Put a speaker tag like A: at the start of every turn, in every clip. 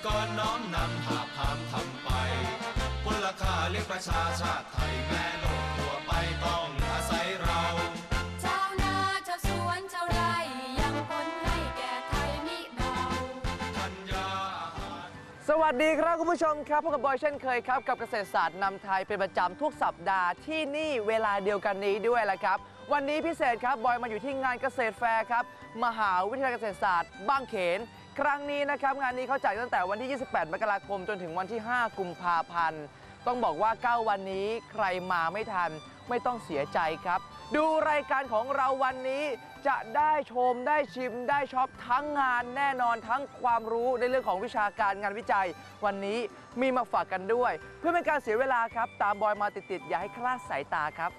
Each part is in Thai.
A: กรน้อมนำหาพามทำไปพลค่าเลี้ยงประชาชาติไทยแม่โลกทั่วไปต้องอาศัยเรา
B: ชาวนาชาวสวนชาวไร่ยังคนให้แก่ไทยมิเบา
A: ธัญญา
C: สวัสดีครับคุณผู้ชมครับพบกับบอยเช่นเคยครับกับเกษตรศาสตร์นำไทยเป็นประจำทุกสัปดาห์ที่นี่เวลาเดียวกันนี้ด้วยแหละครับวันนี้พิเศษครับบอยมาอยู่ที่งานเกษตรแฟร์ครับมหาวิทยาลัยเกษตรศาสตร์บางเขนครั้งนี้นะครับงานนี้เขาจัดตั้งแต่วันที่ 28 มกราคมจนถึงวันที่ 5 กุมภาพันธ์ต้องบอกว่า 9 วันนี้ใครมาไม่ทันไม่ต้องเสียใจครับดูรายการของเราวันนี้จะได้ชมได้ชิมได้ช็อปทั้งงานแน่นอนทั้งความรู้ในเรื่องของวิชาการงานวิจัยวันนี้มีมาฝากกันด้วย เพื่อเป็นการเสียเวลาครับตามบอยมาติดๆอย่าให้คลาดสายตาครับ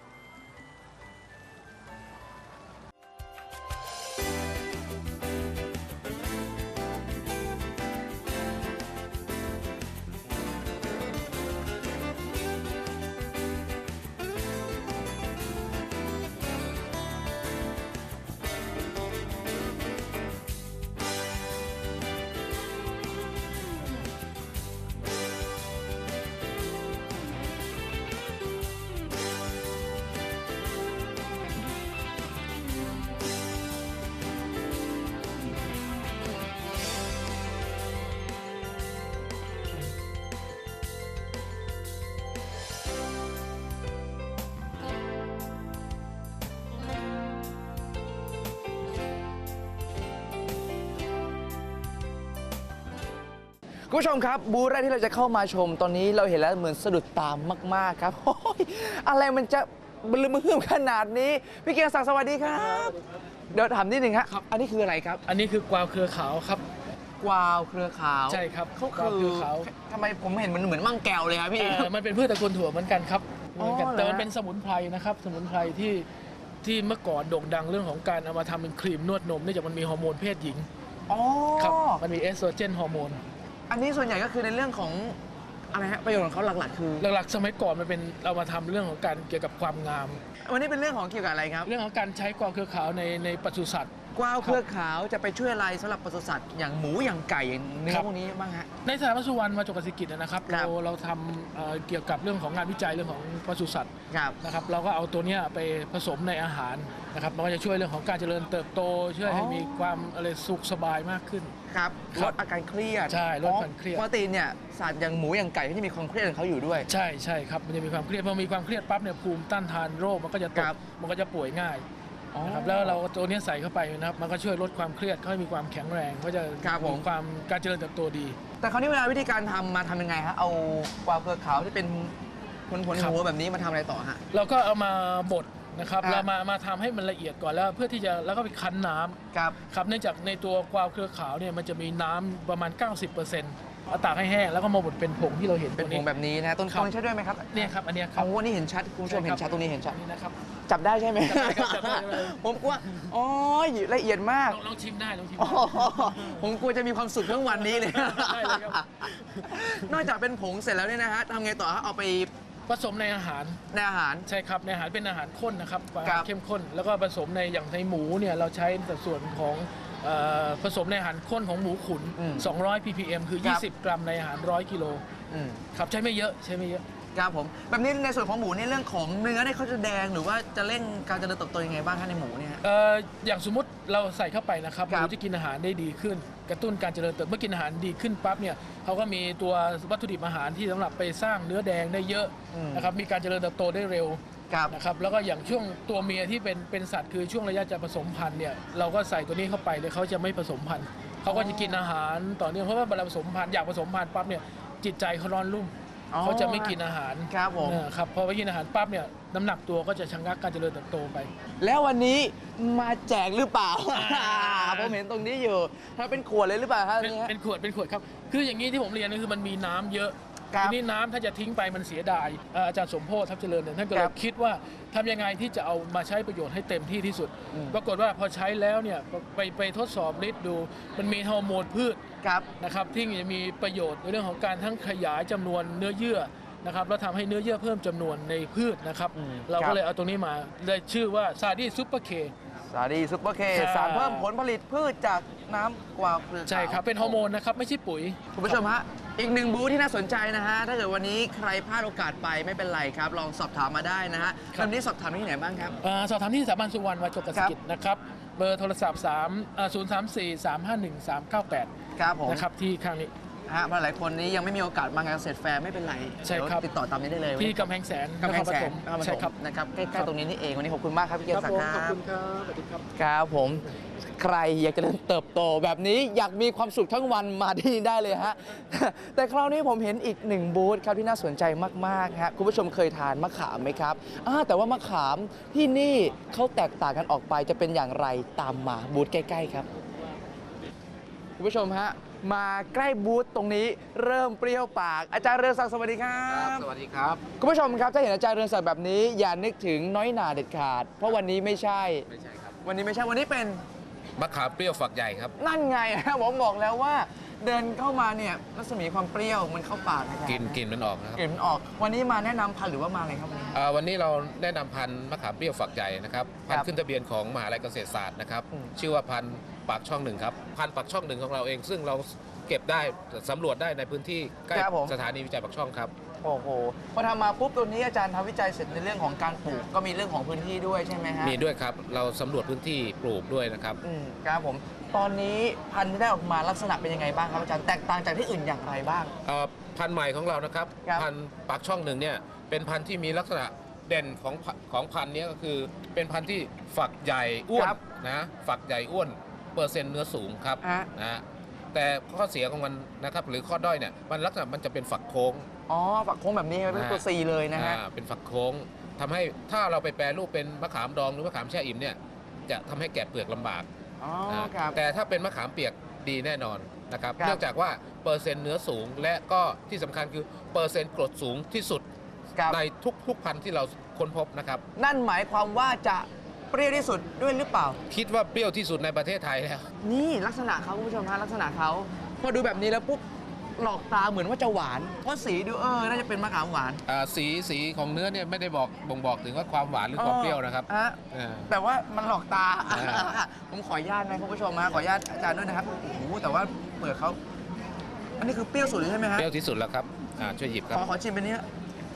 C: คุณผู้ชมครับบูธแรกที่เราจะเข้ามาชมตอนนี้เราเห็นแล้วเหมือนสะดุดตามมากๆครับโอ้ยอะไรมันจะบลืมมือขนาดนี้พี่เกียรติศักดิ์สวัสดีครับเดี๋ยวถามนิดนึงครับอันนี้คืออะไรครับ
D: อันนี้คือกวาวเครือขาวครับ
C: กวาวเครือขาว
D: ใช่ครับ
C: เขา
D: กวาวเครือขาว
C: ทำไมผมเห็นมันเหมือนมั่งแก้วเลยครับพี่
D: มันเป็นพืชตระกูลถั่วเหมือนกันครับเหมือนกันแต่มันเป็นสมุนไพรนะครับสมุนไพรที่เมื่อก่อนโด่งดังเรื่องของการเอามาทำเป็นครีมนวดนมเนื่องจากมันมีฮอร์โมนเพศหญิงครับมันมีเอสโตรเจนฮอร์โมน
C: อันนี้ส่วนใหญ่ก็คือในเรื่องของอะไรฮะประโยชน์ของเขาหลักๆคือ
D: หลักๆสมัยก่อนมันเป็นเอามาทำเรื่องของการเกี่ยวกับความงาม
C: วันนี้เป็นเรื่องของเกี่ยวกับอะไรครับ
D: เรื่องของการใช้กวาวเครือขาวในปศุสัตว์
C: กวาวเครือขาวจะไปช่วยอะไรสำหรับปศุสัตว์อย่างหมูอย่างไก่อย่างเนื้อพวกนี้บ้างฮะ
D: ในสถาบันสุวรรณมาจกสิกิจนะครับเราทำเกี่ยวกับเรื่องของงานวิจัยเรื่องของปศุสัตว์นะครับเราก็เอาตัวนี้ไปผสมในอาหารนะครับมันก็จะช่วยเรื่องของการเจริญเติบโตช่วยให้มีความอะไรสุขสบายมากขึ้น
C: ครับลดอาการเครียด
D: ใช่ลดความเครียด
C: ปกติเนี่ยสัตว์อย่างหมูอย่างไก่ก็จะมีความเครียดของเขาอยู่ด้วย
D: ใช่ครับมันจะมีความเครียดพอมีความเครียดปั๊บเนี่ยภูมิต้านทานโรคมันก็จะตกมันก็จะป่วยง่ายนะครับแล้วเราตัวนี้ใส่เข้าไปนะครับมันก็ช่วยลดความเครียดเขาให้มีความแข็งแรงเขาจะมีความการเจริญเติบโตดี
C: แต่คราวนี้เวลาวิธีการทำมาทำยังไงฮะเอากวาวเครือขาวที่เป็นผลหัวแบบนี้มาทำอะไรต่อฮะ
D: เราก็เอามาบดนะครับเรามาทำให้มันละเอียดก่อนแล้วเพื่อที่จะแล้วก็ไปคั้นน้ำครับเนื่องจากในตัวกวาวเครือขาวเนี่ยมันจะมีน้ำประมาณ 90%เอาตากให้แห้งแล้วก็มาบดเป็นผงที่เราเห็น
C: เป็นผงแบบนี้นะต้นใช้ด้วยไหมครับ
D: เนี่ยครับอันนี้ครับ
C: โอ้นี่เห็นชัดคุณผู้ชมเห็นชัดตรงนี้เห็นชัด
D: นี่นะครับ
C: จับได้ใช่ไหม
D: จับได้
C: ผมกลัวอ๋อละเอียดมาก
D: ลองชิมได้ลองชิม
C: ผมกลัวจะมีความสุขทั้งวันนี้เลยนอกจากเป็นผงเสร็จแล้วเนี่ยนะฮะทำไงต่อฮะเอาไป
D: ผสมในอาหารใช่ครับในอาหารเป็นอาหารข้นนะครับเข้มข้นแล้วก็ผสมในอย่างในหมูเนี่ยเราใช้สัดส่วนของผสมในอาหารข้นของหมูขุน200 ppm คือ20 กรัมในอาหาร100 กิโลครับใช้ไม่เยอะ
C: ครับผมแบบนี้ในส่วนของหมูในเรื่องของเนื้อเนี่ยเขาจะแดงหรือว่าจะเร่งการเจริญเติบโตยังไงบ้างคะในหมูเนี่ย
D: อย่างสมมติเราใส่เข้าไปนะครับหมูจะกินอาหารได้ดีขึ้นกระตุ้นการเจริญเติบโตเมื่อกินอาหารดีขึ้นปั๊บเนี่ยเขาก็มีตัววัตถุดิบอาหารที่สำหรับไปสร้างเนื้อแดงได้เยอะนะครับมีการเจริญเติบโตได้เร็วนะครับแล้วก็อย่างช่วงตัวเมียที่เป็นสัตว์คือช่วงระยะจะผสมพันธุ์เนี่ยเราก็ใส่ตัวนี้เข้าไปเลยเขาจะไม่ผสมพันธุ์เขาก็จะกินอาหารต่อเนื่องเพราะว่าเวลาผสมพันธุ์อยากผสมพันธุ์ปั๊บเนี่ยจิตใจเขาร้อนรุ่มเขาจะไม่กินอาหาร
C: ครับผม
D: ครับพอไปกินอาหารปั๊บเนี่ยน้ำหนักตัวก็จะชะงักการเจริญเติบโตไป
C: แล้ววันนี้มาแจกหรือเปล่าผมเห็นตรงนี้อยู่ถ้าเป็นขวดเลยหรือเปล่าครับ
D: เป็นขวดครับคืออย่างนี้ที่ผมเรียนก็คือมันมีน้ำเยอะทีนี้น้ำถ้าจะทิ้งไปมันเสียดายอาจารย์สมโพธิทัพเจริญเนี่ยท่านก็เลยคิดว่าทำยังไงที่จะเอามาใช้ประโยชน์ให้เต็มที่ที่สุดปรากฏว่าพอใช้แล้วเนี่ยไปทดสอบฤทธิ์ดูมันมีฮอร์โมนพืชนะครับที่จะมีประโยชน์ในเรื่องของการทั้งขยายจำนวนเนื้อเยื่อนะครับแล้วทำให้เนื้อเยื่อเพิ่มจำนวนในพืชนะครับเราก็เลยเอาตรงนี้มาเลยชื่อว่าซาดีซูเปอร์เค
C: สาลีซุปเปอร์เค
D: ครับ
C: สารเพิ่มผลผลิตพืชจากน้ำกวาวเครือขาว
D: ใช่ครับเป็นฮอร์โมนนะครับไม่ใช่ปุ๋ย
C: คุณผู้ชมฮะอีกหนึ่งบูธที่น่าสนใจนะฮะถ้าเกิดวันนี้ใครพลาดโอกาสไปไม่เป็นไรครับลองสอบถามมาได้นะฮะ
D: ครับ
C: วันนี้สอบถามที่ไหนบ้างครับ
D: สอบถามที่สถาบันสุวรรณวจกเกษตรกิจนะครับเบอร์โทรศัพท์034-351-398
C: ครับผม
D: นะครับที่ข้างนี้
C: ฮะเพราะหลายคนนี้ยังไม่มีโอกาสมางานเกษตรแฟร์ไม่เป็นไร
D: ใช่ครับ
C: เดี๋ยวติดต่อตามนี้ได้เลย
D: ที่กำแพงแสน
C: กำแพงแสน
D: นครปฐมใช่ครับ
C: นะครับใกล้ๆตรงนี้นี่เองวันนี้ขอบคุณมากครับพี่เกียรติศักดิ์
D: ขอบ
C: ค
D: คุ
C: รับ
D: ณครับสวัสดีครับ
C: ครับผมใครอยากจะเติบโตแบบนี้อยากมีความสุขทั้งวันมาที่นี่ได้เลยฮะ แต่คราวนี้ผมเห็นอีกหนึ่งบูธครับที่น่าสนใจมากๆฮะคุณผู้ชมเคยทานมะขามไหมครับแต่ว่ามะขามที่นี่เขาแตกต่างกันออกไปจะเป็นอย่างไรตามมาบูธใกล้ๆครับคุณผู้ชมฮะมาใกล้บูธตรงนี้เริ่มเปรี้ยวปากอาจารย์เรืองศักดิ์สวัสดีครับ
E: สวัสดีครับ
C: คุณผู้ชมครับถ้าเห็นอาจารย์เรืองศักดิ์แบบนี้อย่านึกถึงน้อยหนาเด็ดขาด เพราะวันนี้ไม่ใช่
E: ไม่ใช่ครับ
C: วันนี้ไม่ใช่วันนี้เป็น
E: มะขามเปรี้ยวฝักใหญ่ครับ
C: นั่นไง ผมบอกแล้วว่าเดินเข้ามาเนี่ยรัศมีความเปรี้ยวมันเข้าปากนะครับ
E: กลิ่นมันออกนะครับ
C: กลิ่นมันออก วันนี้มาแนะนำพันธุ์หรือว่ามาอะไรครับวันนี้
E: วันนี้เราแนะนำพันธุ์มะขามเปรี้ยวฝักใหญ่นะครับพันธุ์ขึ้นทะเบียนของมหาลัยเกษตรศาสตร์นะครับ
C: อืม
E: ชื่อว่าพันธุ์ปากช่องหนึ่งครับพันธุ์ปากช่องหนึ่งของเราเอง ซึ่งเราเก็บได้สำรวจได้ในพื้นที่ใกล้สถานีวิจัยปากช่องครับ
C: โอ้โหพอทำมาปุ๊บตัวนี้อาจารย์ทำวิจัยเสร็จในเรื่องของการปลูกก็มีเรื่องของพื้นที่ด้วยใช่ไหมฮะ
E: มีด้วยครับเราสำรวจพื้นที่ปลูกด้วยนะครับ
C: ครับผมตอนนี้พันธุ์ที่ได้ออกมาลักษณะเป็นยังไงบ้างครับอาจารย์แตกต่างจากที่อื่นอย่างไรบ้าง
E: พันธุ์ใหม่ของเรานะครับ
C: ครับ
E: พันธุ์ปากช่องหนึ่งเนี่ยเป็นพันธุ์ที่มีลักษณะเด่นของพันธุ์นี้ก็คือเป็นพันธุ์ที่ฝักใหญ่อ้วนนะฝักใหญ่อ้วนเปอร์เซ็นต์เนื้อสูงครับ
C: ฮะ
E: นะแต่ข้อเสียของมันนะครับหรือข้อด้อยเนี่ยมันลักษณะมันจะเป็นฝักโค้ง
C: อ๋อฝักโค้งแบบนี้เป็นตัว C เลยนะฮะ
E: เป็นฝักโค้งทำให้ถ้าเราไปแปรรูปเป็นมะขามดองหรือมะขามแช่อิ่มเนี่ยจะทำให้แกะเปลือกลำบาก
C: อ๋อ
E: นะครับ แต่ถ้าเป็นมะขามเปียกดีแน่นอนนะครับ
C: ครับ
E: เนื่องจากว่าเปอร์เซ็นต์เนื้อสูง และก็ที่สำคัญคือเปอร์เซ็นต์กรดสูงที่สุด
C: ครับ
E: ในทุกพันธุ์ที่เราค้นพบนะครับ
C: นั่นหมายความว่าจะเปรี้ยวที่สุดด้วยหรือเปล่า
E: คิดว่าเปรี้ยวที่สุดในประเทศไทยแล้ว
C: นี่ลักษณะเขาคุณผู้ชมฮะลักษณะเขาพอดูแบบนี้แล้วปุ๊บหลอกตาเหมือนว่าจะหวาน เพราะสีดูน่าจะเป็นมะขามหวาน
E: สีของเนื้อเนี่ยไม่ได้บ่งบอกถึงว่าความหวานหรือความเปรี้ยวนะครับ
C: แต่ว่ามันหลอกตา
E: อ่า
C: ผมขออนุญาตนะคุณผู้ชมฮะขออนุญาตอาจารย์ด้วยนะครับโอ้โหแต่ว่าเปลือกเขาอันนี้คือเปรี้ยวสุดเลยใช่ไหมฮะ
E: เปรี้ยวที่สุดแล้วครับช่วยหยิบครับ
C: ขอชิมเป็นนี้ฮะ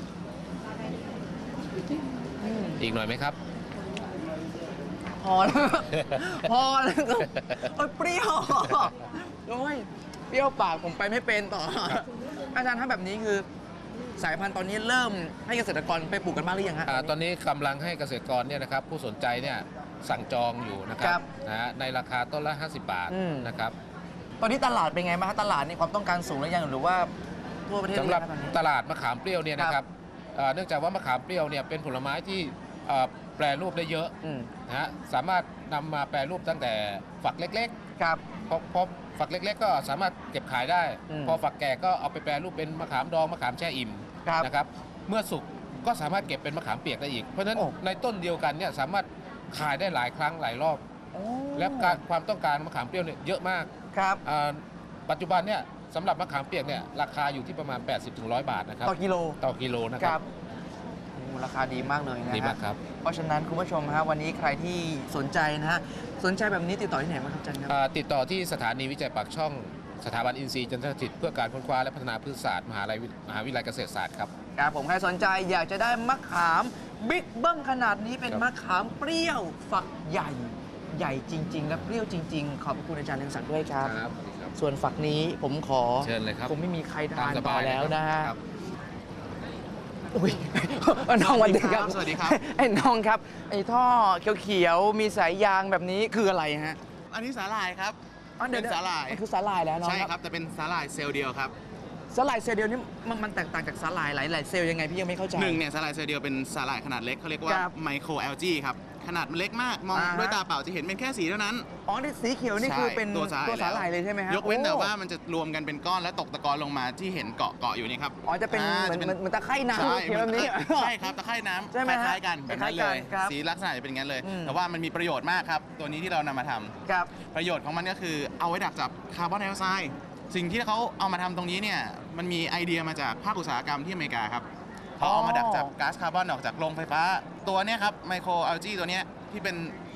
E: อีกหน่อยไหมครับ
C: พอแล้ว พอแล้วครับโอ้ยเปรี้ยวโอ้ยเปรี้ยวปากผมไปไม่เป็นต่อ อาจารย์ถ้าแบบนี้คือ สายพันธุ์ตอนนี้เริ่มให้เกษตรกรไปปลูกกันบ้างหรือยังฮะ
E: ตอนนี้กำลังให้เกษตรกรเนี่ยนะครับผู้สนใจเนี่ยสั่งจองอยู่นะค
C: ครั
E: รับบ นะฮะในราคาต้นละ 50 บาท
C: อืม
E: นะครับ
C: ตอนนี้ตลาดเป็นไงบ้างฮะตลาดนี่ความต้องการสูงหรือยังหรือว่าทั่วประเทศ
E: สำหรับ
C: เยงตอนนี้
E: ตลาดมะขามเปรี้ยวเนี่ยนะครับเนื่องจากว่ามะขามเปรี้ยวเนี่ยเป็นผลไม้ที่แปรรูปได้เยอะ
C: อืม
E: นะฮะสามารถนำมาแปรรูปตั้งแต่ฝักเล็ก
C: ครับ
E: ๆพอฝักเล็ก ๆ ก็สามารถเก็บขายได้
C: อืม
E: พอฝักแก่ก็เอาไปแปรรูปเป็นมะขามดองมะขามแช่อิ่ม
C: ครับ
E: นะครับเมื่อสุกก็สามารถเก็บเป็นมะขามเปียกได้อีก เพราะฉะนั้น
C: โอ้
E: ในต้นเดียวกันเนี่ยสามารถขายได้หลายครั้งหลายรอบ
C: โอ้
E: และความต้องการมะขามเปรี้ยวเนี่ยเยอะมาก
C: ครับ
E: ปัจจุบันเนี่ยสำหรับมะขามเปียกเนี่ยราคาอยู่ที่ประมาณ 80-100 บาทนะครับ
C: ต่อกิโล
E: ต่อกิโลนะ
C: ค
E: ค
C: รั
E: รั
C: บบ โอ้ราคาดีมากเลยนะฮะ
E: ดีมากครับ
C: เพราะฉะนั้นคุณผู้ชมฮะวันนี้ใครที่สนใจนะฮะสนใจแบบนี้ติดต่อที่ไหนบ้างครับอาจารย์ครับ
E: ติดต่อที่สถานีวิจัยปากช่องสถาบันอินทรีย์จันทรสถิตเพื่อการค้นคว้าและพัฒนาพืชศาสตร์มหาวิทยาลัยเกษตรศาสตร์ครับ
C: ครับผมใครสนใจอยากจะได้มะขามบิ๊กเบิ้มขนาดนี้เป็น
E: ครับ
C: มะขามเปรี้ยวฝักใหญ่ใหญ่จริง ๆ และเปรี้ยวจริง ๆ ขอบคุณอาจารย์เรืองศักดิ์ด้วยครับ
E: ครับ
C: ส่วนฝักนี้ผมขอ
E: เชิญเลยครับ
C: คงไม่มีใคร
E: ตา
C: ทาม น
E: ส
C: ต่
E: บา
C: อย แล้วนะฮะ
E: ครับ
C: อุ้ย น้องวันดีครับ
F: สวัสดีครับ
C: ไอ้น้องครับไอ้ท่อเขียวๆมีสายยางแบบนี้คืออะไรฮะ
F: อันนี้สาหร่ายครับ
C: อ๋อเดี๋ยว
F: เป็นสาหร่าย
C: มันคือสาหร่ายแล้วน้อง
F: ใช่ครับ แต่เป็นสาหร่ายเซลล์เดียวครับ
C: สาหร่ายเซลล์เดียวนี่มันแตกต่างจากสาหร่ายหลายๆเซลล์ยังไงพี่ยังไม่เข้าใจ
F: หนึ่งเนี่ยสาหร่ายเซลล์เดียวเป็นสาหร่ายขนาดเล็กเขาเรียกว่า
C: ครับ
F: ไมโครแอลจีครับ ขนาดมันเล็กมาก มอง
C: อ่าฮะ
F: ด้วยตาเปล่าจะเห็นเป็นแค่สีเท่านั้น
C: อ๋อนี่สีเขียวนี่คือเป็น
F: ตัวสาหร่าย
C: เลยใช่ไหมฮะ
F: ยกเว้นแต่
C: โอ้
F: ว่ามันจะรวมกันเป็นก้อนและตกตะกอนลงมาที่เห็นเกาะอยู่นี่ครับ
C: อ๋อจะเป็นเหมือนตะไคร่น้ำ
F: ใช่
C: เขียวแบบนี้
F: ใช่ครับตะไคร่น้ำ
C: ใช่ไหม
F: ค
C: ฮะ
F: ล้ายๆกันแบบนั้น
C: คล้า
F: เลย ย
C: ๆกันครับ
F: สีลักษณะจะเป็นอย่างนั้นเลย
C: อืม
F: แต่ว่ามันมีประโยชน์มากครับ ตัวนี้ที่เรานำมาทำ
C: ครับ
F: ประโยชน์ของมันก็คือเอาไว้ดักจับคาร์บอนไดออกไซด์สิ่งที่เขาเอามาทำตรงนี้เนี่ยมันมีไอเดียมาจากภาคอุตสาหกรรมที่อเมริกาครับเขาเอามาดักจับก๊าซคาร์บอนออกจากโรงไฟฟ้า ตัวเนี้ยครับไมโครอัลจีตัวเนี้ยที่เป็น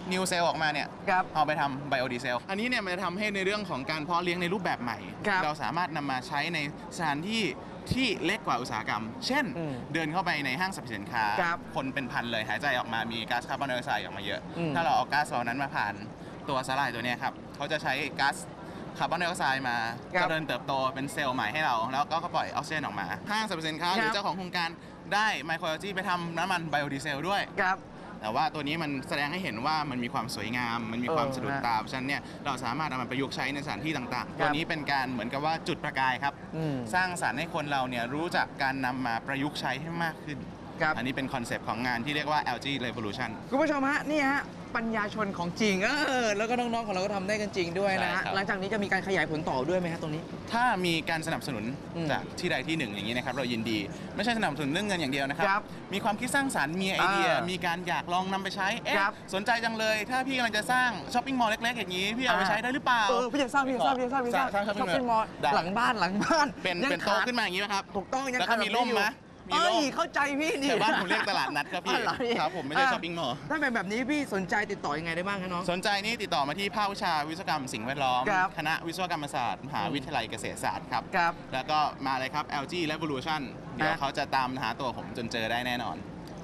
F: นิวเซลออกมาเนี่ย
C: ครับ
F: เอาไปทำไบโอดีเซลอันนี้เนี่ยมันจะทำให้ในเรื่องของการเพาะเลี้ยงในรูปแบบใหม่
C: ครับ
F: เราสามารถนำมาใช้ในสถานที่ที่เล็กกว่าอุตสาหกรรม เช่น เดินเข้าไปในห้างสรรพสินค้า
C: ครับ
F: คนเป็นพันเลยหายใจออกมามีก๊าซคาร์บอนไดออกไซด์ออกมาเยอะ
C: อืม
F: ถ้าเราเอาก๊าซเหล่านั้นมาผ่านตัวสาหร่ายตัวเนี้ยครับเขาจะใช้ก๊าซคาร์บอนไดออกไซด์มา
C: ครับ
F: เจริญเติบโตเป็นเซลล์ใหม่ให้เรา แล้วก็ปล่อยออกซิเจนออกมา ห้างสรรพสินค้าหรือ
C: ครับ
F: เจ้าของโครงการได้ไมโครโลจีไปทำน้ำมันไบโอดีเซลด้วย
C: ครับ
F: แต่ว่าตัวนี้มันแสดงให้เห็นว่ามันมีความสวยงาม มันมีความสะดุดตาเพราะฉะนั้นเนี่ยเราสามารถเอามาประยุกต์ใช้ในสถานที่ต่างๆ ตัวนี้เป็นการเหมือนกับว่าจุดประกายครับ
C: อืม
F: สร้างสรรค์ให้คนเราเนี่ยรู้จักการนำมาประยุกต์ใช้ให้มากขึ้น
C: ครับ
F: อันนี้เป็นคอนเซปต์ของงานที่เรียกว่า LG Revolution
C: คุณผู้ชมฮะนี่ฮะปัญญาชนของจริงแล้วก็น้องๆของเราก็ทำได้กันจริงด้วยนะฮะ
F: ใช่ครับ
C: หลังจากนี้จะมีการขยายผลต่อด้วยไหมฮะตรงนี้
F: ถ้ามีการสนับสนุน
C: อืม
F: จากที่ใดที่หนึ่งอย่างนี้นะครับเรายินดี ไม่ใช่สนับสนุนเรื่องเงินอย่างเดียวนะครับ
C: ครับ
F: มีความคิดสร้างสรรค์มีไอเดีย
C: อ่ามี
F: มีการอยากลองนำไปใช้เอ๊ะ
C: ครับ
F: สนใจจังเลย ถ้าพี่กำลังจะสร้างช้อปปิ้งมอลล์เล็กๆอย่างนี้พี่เอาไปใช้ได้หรือเปล่า
C: พี่จะสร้างพี่จะสร้าง
F: สร้าง
C: ช้อป
F: shopping
C: ปิ้งมอลล์
F: ได้
C: หลังบ้าน
F: เป็น
C: ยัง
F: โต๊ะ
C: ขาด
F: ขึ้นมาอย่างนี้ไหมครับ
C: ถูกต้องยัง
F: แล้วก็มีร่มไหมมี
C: เอ้
F: ร่
C: ย
F: ม
C: เข้าใจพี่นี่
F: แต่บ้านผมเรียกตลาดนัดครับพี่
C: อ๋อเหรอพี่
F: ครับผมไม่ใช่ช้อปปิ้งมอลล์
C: ถ้าเป็นแบบนี้พี่สนใจติดต่อยังไงได้บ้างคะน้อง
F: สนใจนี่ติดต่อมาที่ภาควิชาวิศวกรรมสิ่งแวดล้อม
C: ครับ
F: คณะวิศวกรรมศาสตร์มหาวิทยาลัยเกษตรศาสตร์ครับ
C: ครับ
F: แล้วก็มาเลยครับ LG Revolution เดี๋ยวเขาจะตามหาตัวผมจนเจอได้แน่นอน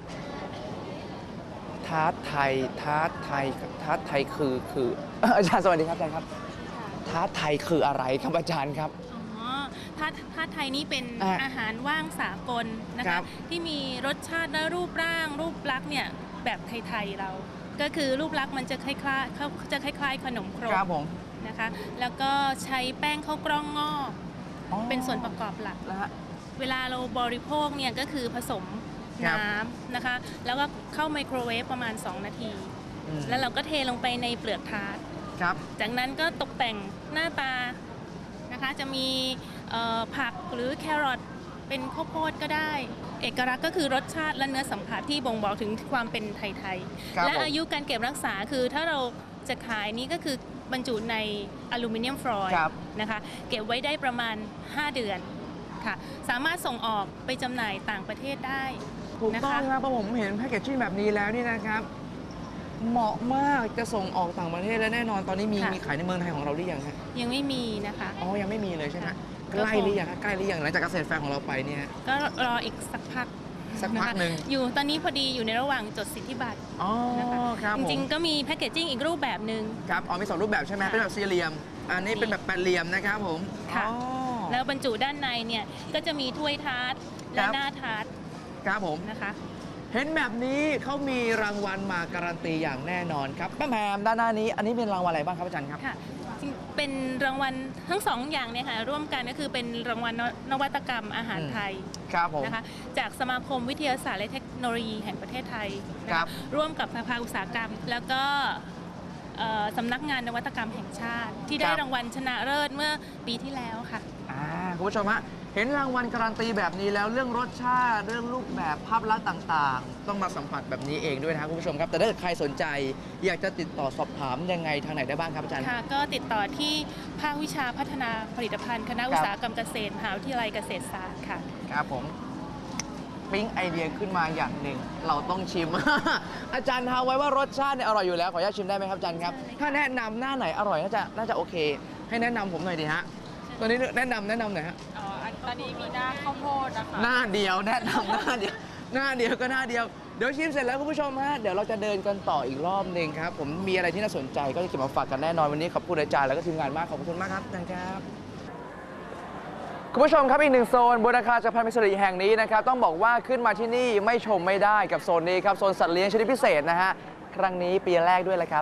C: ท้าไทยคือ อาจารย์สวัสดีครับอาจารย์ครับท้าไทยคืออะไรครับอาจารย์ครับ
G: อ๋อถ้าไทยนี่เป็น
C: อ่ะ
G: อาหารว่างสากลนะ
C: ครั
G: คะ
C: บ
G: ที่มีรสชาติและรูปร่างรูปลักษณ์เนี่ยแบบไทยๆเรา ก็คือรูปลักษณ์มันจะคล้ายๆขนมครก
C: ครับผม
G: นะคะ แล้วก็ใช้แป้งข้าวกล้องงอก
C: อ๋อ
G: เป็นส่วนประกอบหลัก
C: นะฮะ
G: เวลาเราบริโภคเนี่ยก็คือผสม
C: ครับ
G: น้ำนะคะ แล้วก็เข้าไมโครเวฟประมาณ 2 นาที
C: อืม
G: แล้วเราก็เทลงไปในเปลือกทาร์ต
C: ครับ
G: จากนั้นก็ตกแต่งหน้าตานะคะจะมีผักหรือแครอทเป็นข้าวโพดก็ได้ เอกลักษณ์ก็คือรสชาติและเนื้อสัมผัสที่บ่งบอกถึงความเป็นไทย
C: ครับ
G: ๆและ
C: ผม
G: อายุการเก็บรักษาคือถ้าเราจะขายนี้ก็คือบรรจุในอลูมิเนียมฟอยล์
C: ครับ
G: นะคะเก็บไว้ได้ประมาณ 5 เดือนค่ะสามารถส่งออกไปจำหน่ายต่างประเทศได้
C: ถูก
G: นะ
C: ต้อง
G: คะ
C: ครับเพราะผมเห็นแพคเกจจิ้งแบบนี้แล้วนี่นะครับ เหมาะมากจะส่งออกต่างประเทศและแน่นอนตอนนี้มีขายในเมืองไทยของเราหรือยังฮะ
G: ยังไม่มีนะคะ
C: อ๋อยังไม่มีเลยใช่ไหม
G: ค่ะ
C: ใกล้หรือยังฮะใกล้หรือยังหลังจากเกษตรแฟร์ของเราไปเนี่ย
G: ก็รออีกสักพัก
C: สักพักหนึ่ง
G: อยู่ตอนนี้พอดีอยู่ในระหว่างจดสิทธิบัตร
C: อ๋อ
G: นะคะ
C: ครับ
G: จ
C: ผม
G: ริงๆ ก็มีแพคเกจจิ้งอีกรูปแบบหนึ่ง
C: ครับอ๋อมีสองรูปแบบใช่ไหม
G: ค่ะ
C: เป็นแบบสี่เหลี่ยม อันนี้เป็นแบบแปดเหลี่ยมนะครับผม
G: ค่ะ
C: อ๋อ
G: แล้วบรรจุด้านในเนี่ยก็จะมีถ้วยทาร์ตและ
C: ครับ
G: หน้าทาร์ต
C: ครับผม
G: นะคะ
C: เห็นแบบนี้เขามีรางวัลมาการันตีอย่างแน่นอนครับป้าแพมด้านหน้านี้ อันนี้เป็นรางวัลอะไรบ้างครับอาจารย์ครับ
G: ค่ะจริงเป็นรางวัลทั้งสองอย่างเนี่ยค่ะร่วมกันก็คือเป็นรางวัลนวัตกรรมอาหารไทย
C: ครับผม
G: นะคะจากสมาคมวิทยาศาสตร์และเทคโนโลยีแห่งประเทศไทยนะะ
C: ครับ
G: ร่วมกับภาคอุตสาหกรรม แล้วก็สำนักงานนวัตกรรมแห่งชาติ ที่ได้รางวัลชนะเลิศเมื่อปีที่แล้วค่ะ
C: คุณผู้ชมฮะเห็นรางวัลการันตีแบบนี้แล้วเรื่องรสชาติเรื่องรูปแบบภาพลักษณ์ต่างๆ ต้องมาสัมผัสแบบนี้เองด้วยนะครับคุณผู้ชมครับ แต่ถ้าเกิดใครสนใจ อยากจะติดต่อสอบถามยังไงทางไหนได้บ้างครับอาจารย์
G: ค่ะก็ติดต่อที่ภาควิชาพัฒนาผลิตภัณฑ์คณะอุตสาหกรรมเกษตรมหาวิทยาลัยเกษตรศาสตร์ค่ะ
C: ครับผมปิ๊งไอเดียขึ้นมาอย่างหนึ่งเราต้องชิม อาจารย์ทาไว้ว่ารสชาติเนี่ยอร่อยอยู่แล้วขออนุญาตชิมได้ไหมครับอาจารย์ครับ ถ้าแนะนำหน้าไหนอร่อยน่าจะโอเค ให้แนะนำผมหน่อยดีฮะตอนนี้แนะนำหน่อยฮะ
G: ตอนนี้มีหน้าข้าวโพดนะคะ
C: หน้าเดียวแนะนำหน้าเดียวหน้าเดียวก็หน้าเดียวเดี๋ยวชิมเสร็จแล้วคุณผู้ชมฮะเดี๋ยวเราจะเดินกันต่ออีกรอบหนึ่งครับผมมีอะไรที่น่าสนใจก็จะเก็บมาฝากกันแน่นอนวันนี้ขอบคุณอาจารย์แล้วก็ทีมงานมากขอบคุณมากครับอาจารย์ครับคุณผู้ชมครับอีกหนึ่งโซนบนอาคารจักรพันธ์มิตรสิริแห่งนี้นะครับต้องบอกว่าขึ้นมาที่นี่ไม่ชมไม่ได้กับโซนนี้ครับโซนสัตว์เลี้ยงชนิดพิเศษนะฮะครั้งนี้ปีแรกด้วยแหละครับ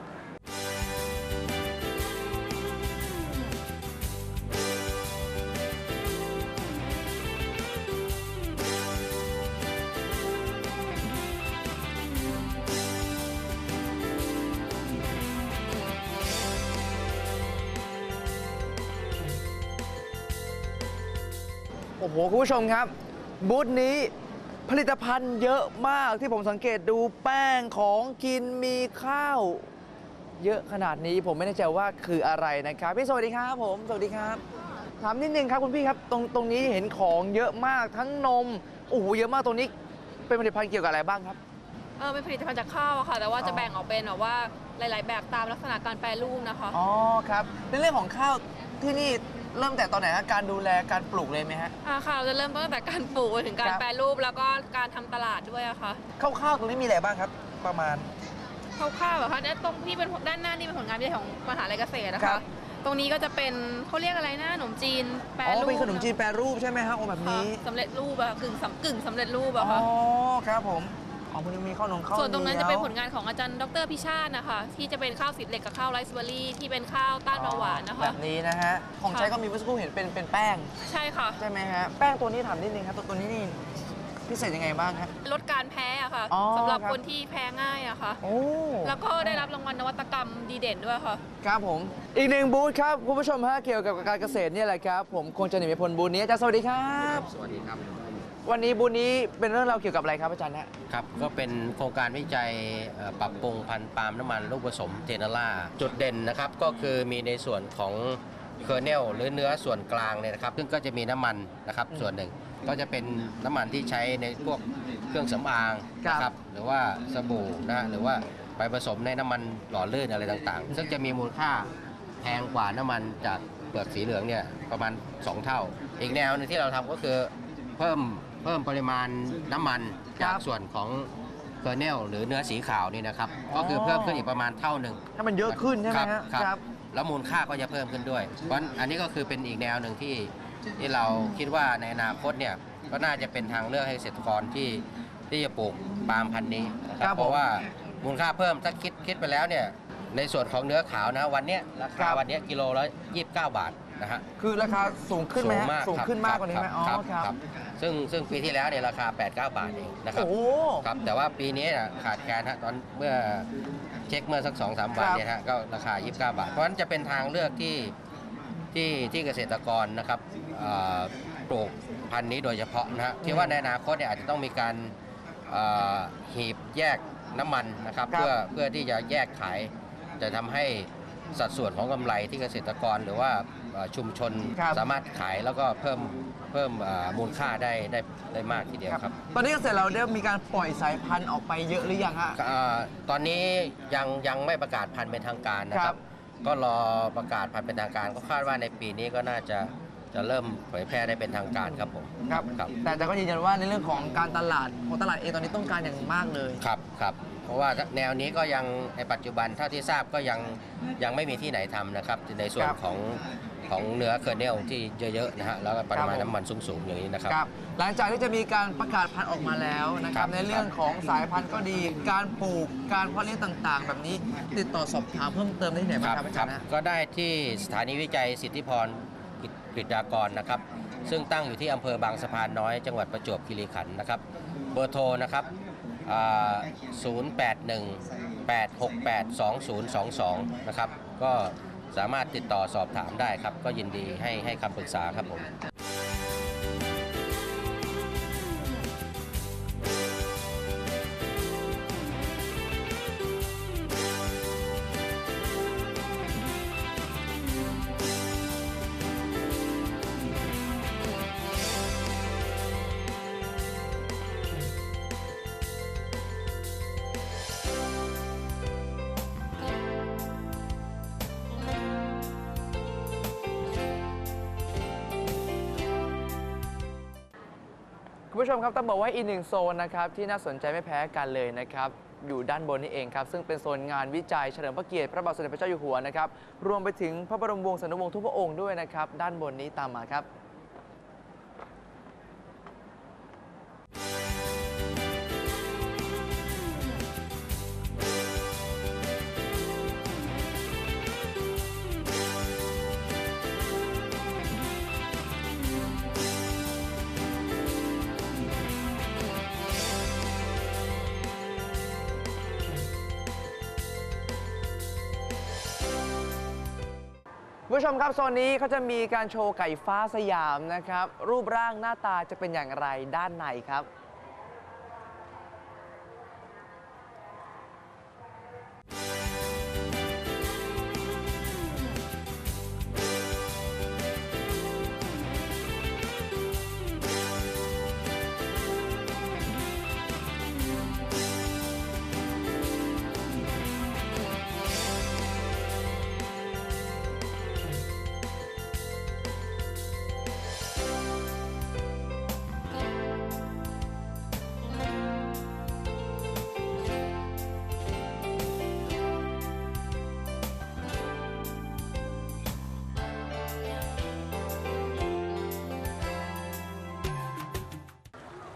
C: โอ้โหคุณผู้ชมครับบูธนี้ผลิตภัณฑ์เยอะมากที่ผมสังเกตดูแป้งของกินมีข้าว เยอะขนาดนี้ผมไม่แน่ใจว่าคืออะไรนะครับพี่สวัสดีครับผมสวัสดีครับถามนิดนึงครับคุณพี่ครับตรงนี้เห็นของเยอะมากทั้งนมโอ้โหเยอะมากตรงนี้เป็นผลิตภัณฑ์เกี่ยวกับอะไรบ้างครับ
H: เป็นผลิตภัณฑ์จากข้าวอะค่ะ แต่ว่าจะแบ่งออกเป็นแบบว่าหลาย ๆ แบบตามลักษณะการแปรรูปนะคะ
C: อ๋อครับในเรื่องของข้าวที่นี่เริ่มแต่ตอนไหนฮะการดูแลการปลูกเลยไหมฮะ
H: ค่ะเราจะเริ่มต้นตั้งแต่การปลูกไปถึงการ
C: ครับ
H: แปรรูปแล้วก็การทำตลาดด้วยอะค่ะ
C: คร่าวๆตรงนี้มีอะไรบ้างครับ ประมาณ
H: คร่าวๆแบบค่ะตรงที่เป็นด้านหน้านี่เป็นผลงานวิจัยของมหาลัยเกษตรนะ
C: ครั
H: คะ
C: บ
H: ตรงนี้ก็จะเป็นเขาเรียกอะไรนะขนมจีนแปร
C: อ๋อ
H: รูป
C: เป็นขนมจีนแปรรูปใช่ไหมฮะโอ้แบบ
H: ค่ะ
C: นี้
H: สำเร็จรูปอะกึ่งสำเร็จรูป
C: อ๋
H: อะ
C: อ
H: ค่ะ
C: ครับผมอ๋อมันมีข้าวหนมข้าว
H: ส่วนตรงนั้น
C: ห
H: จะเป็นผลงานของอาจารย์ดรพิชาตินะคะที่จะเป็นข้าวสีเหล็กกับข้าวไรซ์เบอร์รี่ที่เป็นข้าวต้านเบาหวานนะคะ
C: แบบนี้นะฮะของใช้ก็มีเมื่อสักครู่เห็นเป็นแป้ง
H: ใช่ค่ะ
C: ใช่ไหมฮะแป้งตัวนี้ถามนิดนึงครับตัวนี้นี่พิเศษยังไงบ้างครับ
H: ลดการแพ้อะค่ะ
C: อ๋อ
H: สำหรับ
C: ครับ
H: คนที่แพ้ง่ายอะค่ะ
C: โอ้
H: แล้วก็ได้รับรางวัลนวัตกรรมดีเด่นด้วยค่ะ
C: ครับผมอีกหนึ่งบูธครับคุณผู้ชมฮะเกี่ยวกับการเกษตรเนี่ยแหละครับผมคงจะหนีไม่พ้นบูธนี้อาจารย์สวัสดีครับ
I: สวัสดีครับ
C: วันนี้บูธนี้เป็นเรื่องราวเกี่ยวกับอะไรครับอาจารย์ฮะ
I: ครับ ก็เป็นโครงการวิจัยปรับปรุงพันธุ์ปาล์มน้ำมันลูกผสมเทนาร่าจุดเด่นนะครับก็คือมีในส่วนของเคอร์เนลหรือเนื้อส่วนกลางเนี่ยนะครับซึ่งก็จะมีน้ำมันนะครับส่วนหนึ่งก็จะเป็นน้ำมันที่ใช้ในพวกเครื่องสำอางนะครับหรือว่าสบู่นะหรือว่าไปผสมในน้ำมันหล่อลื่นอะไรต่างๆ ซึ่งจะมีมูลค่าแพงกว่าน้ำมันจากเปลือกสีเหลืองเนี่ยประมาณ 2 เท่า อีกแนวหนึงที่เราทำก็คือเพิ่มปริมาณน้ำมันจากส่วนของเคอร์เนลหรือเนื้อสีขาวนี่นะครับก็คือเพิ่มขึ้นอีกประมาณเท่าหนึ่ง
C: ให้มันเยอะขึ้นใช่ไหมฮะ
I: ครับแล้วมูลค่าก็จะเพิ่มขึ้นด้วย เพราะอันนี้ก็คือเป็นอีกแนวหนึ่งที่เราคิดว่าในอนาคตเนี่ยก็น่าจะเป็นทางเลือกให้เกษตรกรที่จะปลูกปาล์มพันธุ์นี้นะครับเพราะว่ามูลค่าเพิ่มถ้าคิดไปแล้วเนี่ยในส่วนของเนื้อขาวนะวันเนี้ยราคาวันเนี้ยกิโลละ29 บาทนะฮะ
C: คือราคาสูงขึ้นไหมฮะ
I: สู
C: สู
I: ง
C: ง
I: มาก
C: ขึ้นมากกว่านี้ไหมอ๋อ
I: ครับ
C: ครับ
I: ซึ่งปีที่แล้วเนี่ยราคา 8-9 บาทเองนะครับ
C: โอ้
I: ครับแต่ว่าปีนี้น่ะขาดแคลนฮะตอนเมื่อเช็คเมื่อสัก 2-3 วันเนี่ยฮะก็ราคา 29 บาท เพราะฉะนั้นจะเป็นทางเลือกที่เกษตรกรนะครับปลูกพันธุ์นี้โดยเฉพาะนะฮะคิดว่าในอนาคตเนี่ยอาจจะต้องมีการหีบแยกน้ำมันนะครับเพื่อที่จะแยกขายจะทำให้สัดส่วนของกำไรที่เกษตรกรหรือว่าชุมชนสามารถขายแล้วก็เพิ่มมูลค่าได้มากทีเดียวครับ
C: ตอนนี้เกษตรเราได้มีการปล่อยสายพันธุ์ออกไปเยอะหรือยังฮะ
I: ตอนนี้ยังไม่ประกาศพันธุ์เป็นทางการนะค
C: ครั
I: รับ บ ก็รอประกาศพันธุ์เป็นทางการก็คาดว่าในปีนี้ก็น่าจะเริ่มเผยแพร่ได้เป็นทางการครับผม
C: ครับ
I: ครับ
C: แต่ก็ยืนยันว่าในเรื่องของการตลาดของตลาดเองตอนนี้ต้องการอย่างมากเลย
I: ครับเพราะว่าแนวนี้ก็ยังในปัจจุบันเท่าที่ทราบก็ยังไม่มีที่ไหนทำนะครับในส่วน
C: ครับ
I: ของเนื้อเคอร์เนลที่เยอะๆนะฮะแล้วก็ปริมาณน้ำมันสูงๆอย่างนี้นะครับ
C: ครับหลังจากที่จะมีการประกาศพันธุ์ออกมาแล้วนะครับ
I: ครับ
C: ในเรื่องของสายพันธุ์ก็ดี การปลูกการเพาะเลี้ยงต่างๆ แบบนี้ติดต่อสอบถามเพิ่มเติมได้ที่ไหนบ้างครับอาจารย์นะ
I: ก็ได้ที่สถานีวิจัยสิทธิพรกฤษฎากรนะครับซึ่งตั้งอยู่ที่อำเภอบางสะพานน้อยจังหวัดประจวบคีรีขันธ์นะครับเบอร์โทรนะครับ0818682022นะครับก็สามารถติดต่อสอบถามได้ครับก็ยินดีให้คำปรึกษาครับผม
C: คุณผู้ชมครับต้องบอกว่าอีกหนึ่งโซนนะครับที่น่าสนใจไม่แพ้กันเลยนะครับอยู่ด้านบนนี่เองครับซึ่งเป็นโซนงานวิจัยเฉลิมพระเกียรติพระบาทสมเด็จพระเจ้าอยู่หัวนะครับรวมไปถึงพระบรมวงศานุวงศ์ทุกพระองค์ด้วยนะครับด้านบนนี้ตามมาครับ คุณผู้ชมครับโซนนี้เขาจะมีการโชว์ไก่ฟ้าสยามนะครับรูปร่างหน้าตาจะเป็นอย่างไรด้านในครับ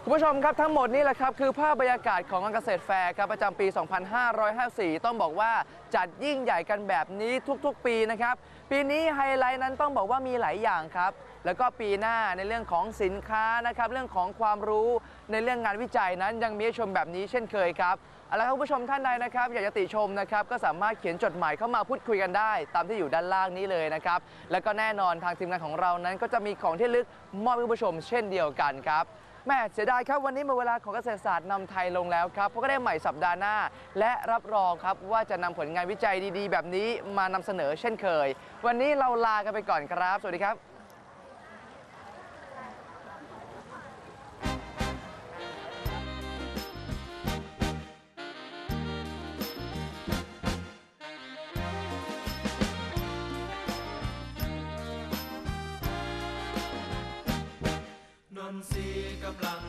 C: คุณผู้ชมครับทั้งหมดนี่แหละครับคือภาพบรรยากาศของงานเกษตรแฟร์ครับประจำปี 2554 ต้องบอกว่าจัดยิ่งใหญ่กันแบบนี้ทุกๆ ปีนะครับปีนี้ไฮไลท์นั้นต้องบอกว่ามีหลายอย่างครับแล้วก็ปีหน้าในเรื่องของสินค้านะครับเรื่องของความรู้ในเรื่องงานวิจัยนั้นยังมีให้ชมแบบนี้เช่นเคยครับเอาละครับคุณผู้ชมท่านใดนะครับอยากจะติชมนะครับก็สามารถเขียนจดหมายเข้ามาพูดคุยกันได้ตามที่อยู่ด้านล่างนี้เลยนะครับแล้วก็แน่นอนทางทีมงานของเรานั้นก็จะมีของที่ระลึกมอบให้คุณผู้ชมเช่นเดียวกันครับแม่เสียดายครับวันนี้หมดเวลาของเกษตรศาสตร์นำไทยลงแล้วครับพบกันได้ใหม่สัปดาห์หน้าและรับรองครับว่าจะนำผลงานวิจัยดีๆแบบนี้มานำเสนอเช่นเคยวันนี้เราลากันไปก่อนครับสวัสดีครับ
A: นนทรีกำลัง